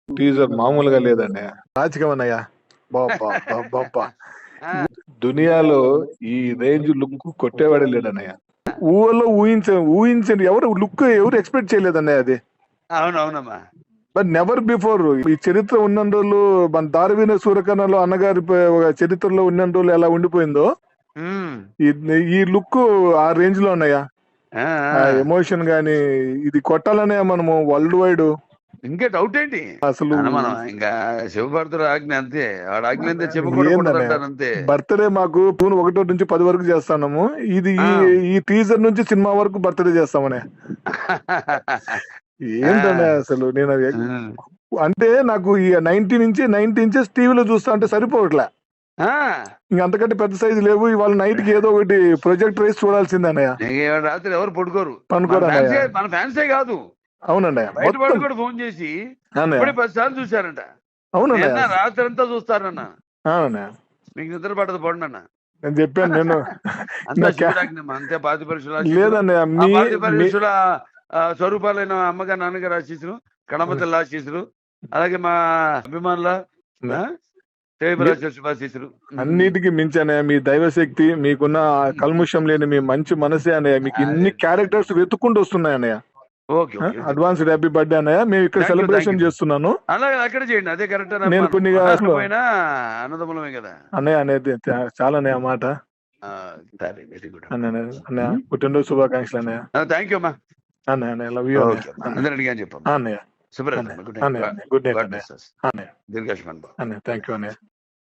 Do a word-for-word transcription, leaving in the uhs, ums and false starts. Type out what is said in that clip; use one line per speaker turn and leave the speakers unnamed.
Teaser మామూలుగా లేదండి. రాజకీయం అన్నయ్య. బాబా దునియాలో ఈ రేంజ్ లుక్ కొట్టేవాడే లేడన్నయ్య. ఊహలో ఊహించ ఊహించండి ఎవరు లుక్ ఎవరు ఎక్స్పెక్ట్ చేయలేదన్నయ్య అది.
అవునవునమ్మా.
బట్ నెవర్ బిఫోర్ ఈ చరిత్ర ఉన్న రోజులు మన దారవీన సూర్యకర్ణలో అన్నగారి ప- ఒక చరిత్రలో ఉన్న రోజులు ఎలా ఉండిపోయిందో
ఉమ్.
ఈ- ఈ లుక్ ఆ రేంజ్ లో ఉన్నాయా.
ఆ,
ఆ
ఆ.
ఎమోషన్ గాని ఇది కొట్టాలనే మనము వరల్డ్ వైడ్
ఇంకా డౌట్ ఏంటి
అసలు
అన్న మనం ఇంకా శివభారతుడు ఆజ్ఞ అంతే, వాడు ఆజ్ఞ అంతే చెప్పకూడకూడదు
ఏందన్నయ్య
అంటారు అంతే.
బర్త్డే మాకు జూన్ ఒకటో నుంచి పది వరకు చేస్తాము. ఇది ఈ
ఆ.
ఈ టీజర్ నుంచి సినిమా వరకు బర్త్డే చేస్తామనే. ఏంటనే అసలు నేను అది-
ఉమ్.
అంటే నాకు ఈ నైన్టీ నుంచి నైన్టీ ఇంచెస్ టీవీలో చూస్తా అంటే సరిపోవట్లే.
ఆ.
ఇంక అంతకంటే పెద్ద సైజు లేవు. ఇవాళ నైట్ కి ఏదో ఒకటి ప్రొజెక్ట్ రైస్ చూడాల్సిందే అన్నయ్య.
ఇంక ఇవాళ రాత్రి ఎవరు పడుకోరు. మన
పనుకోరు అన్నయ్య.
ఫ్యాన్సే మన ఫ్యాన్సే కాదు,
అవునన్నయ్య
బయట
మొత్తం
వాళ్ళు కూడా ఫోన్ చేసి
అన్నయ్య.
ఇప్పుడే పది సార్లు చూశారంట.
అవునన్నయ్య
నిన్న రాత్రి అంతా చూస్తారన్న.
అవునన్నయ్య
మీకు నిద్ర పడదు పడండి అన్న.
నేను చెప్పాను నేను
అంతా
నా క్యా-
శివుడాజ్ఞ అంతే. పాతి పరీక్షలు
లేదన్నయ్య
ఆ
మీ
పాతి
మీ-
పరీక్షల స్వరూపాలైన అమ్మగారు నాన్నగారు ఆశీస్సులు, కడమతల్లి ఆశీస్సులు, అలాగే మా అభిమానుల శుభాశీస్సులు.
అన్నిటికీ మించి అన్నయ్య మీ దైవశక్తి, మీకున్న ఆ కల్ముషం లేని మీ మంచి మనసే అన్నయ్య. మీకు ఇన్ని క్యారెక్టర్స్ వెతుక్కుంటూ వస్తున్నాయి అన్నయ్య.
Okay okay.
Advance happy birthday అన్నయ్య. మేము ఇక్కడ
Thank you,
celebration
thank you.
చేస్తున్నాను
అలాగే అక్కడ చేయండి, అదే కరెక్ట్.
నేను కొన్ని
పోయినా అన్నదమ్ములమే కదా.
అన్నయ్య అనేది చా- చాలా అన్నయ్య ఆ మాట.
సరే, వెరీ గుడ్
అన్నయ్య అన్నయ్య పుట్టినరోజు శుభాకాంక్షలు అన్నయ్య.
థ్యాంక్ యూ అమ్మా.
అన్నయ్య అన్నయ్య లవ్ యూ
ఓకే అందరూ అడిగాను చెప్పమ్మా.
అన్నయ్య.
శుభ్రత.
అన్నయ్య
గుడ్
అన్నయ్య
నైట్.
గుడ్ నైట్
గాడ్
అన్నయ్య.
Bless us.
అన్నయ్య
దీర్ఘాయుష్మాన్ భవ.
అన్నయ్య థ్యాంక్ యూ అన్నయ్య.